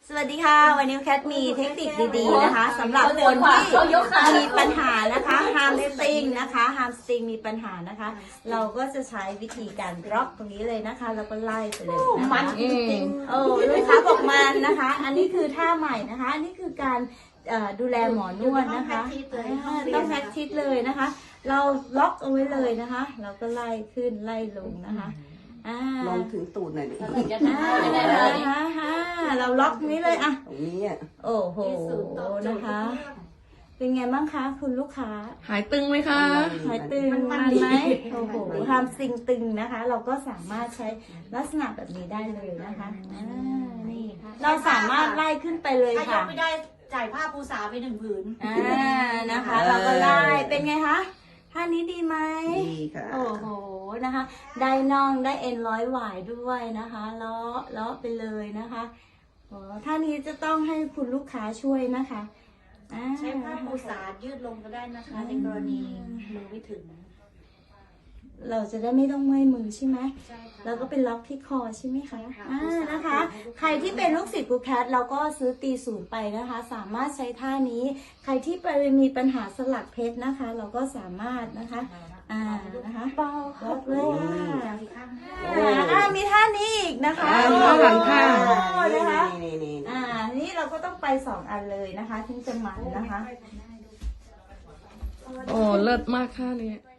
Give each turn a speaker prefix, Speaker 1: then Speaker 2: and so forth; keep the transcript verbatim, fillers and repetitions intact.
Speaker 1: สวัสดีค่ะวันนี้แคทมีเทคนิคดีๆนะคะสำหรับคนที่มีปัญหานะคะฮามสตริงนะคะฮามสตริงมีปัญหานะคะ เราก็จะใช้วิธีการล็อกตรงนี้เลยนะคะแล้วก็ไล่ไปเลยนะคะมันจริงๆโอ้ลูกค้าบอกมันนะคะ อันนี้คือท่าใหม่นะคะอันนี้คือการดูแลหมอนวดนะคะต้องแพ็กทิสเลยนะคะ เราล็อกเอาไว้เลยนะคะเราก็ไล่ขึ้นไล่ลงนะคะ
Speaker 2: ลองถึงตูดหน่อยดิ
Speaker 1: เราล็อกนี้เลยอ่ะ
Speaker 2: ตรงนี้อ่ะ
Speaker 1: โอ้โหนะคะเป็นไงบ้างคะคุณลูกค้า
Speaker 3: หายตึงไหมคะ
Speaker 1: หายตึงมันไหมโอ้โหทำสิ่งตึงนะคะ เราก็สามารถใช้ลักษณะแบบนี้ได้เลยนะคะนี่เราสามารถไล่ขึ้นไปเลยค่ะ
Speaker 4: ถ้ายกไม่ได้จ่ายผ้าปูสาไปหนึ่งผืน
Speaker 1: อ่านะคะ เราก็ไล่เป็นไงคะท่านี้ดีไหม
Speaker 2: ดีค่ะ
Speaker 1: โอ้โหนะคะได้น่องได้เอ็นร้อยหวายด้วยนะคะเลาะเลาะไปเลยนะคะโอ้ท่านี้จะต้องให้คุณลูกค้าช่วยนะคะ
Speaker 4: ใช้ผ้าปูสายืดลงก็ได้นะคะในกรณีมือไม่ถึง
Speaker 1: เราจะได้ไม่ต้องเมื่อยมือใช่ไหมแล้วก็เป็นล็อกที่คอใช่ไหมคะอ่านะคะใครที่เป็นลูกศิษย์กูแคทเราก็ซื้อตีศูนย์ไปนะคะสามารถใช้ท่านี้ใครที่ไปมีปัญหาสลักเพชรนะคะ เราก็สามารถนะคะอ่านะคะล็อกเลยอ่ามีท่านี้อีกนะคะ
Speaker 3: ท่าหลังท่า
Speaker 1: นะคะอ่านี่เราก็ต้องไปสองอันเลยนะคะถึงจะมันนะคะ
Speaker 3: โอ้เลิศมากท่านี้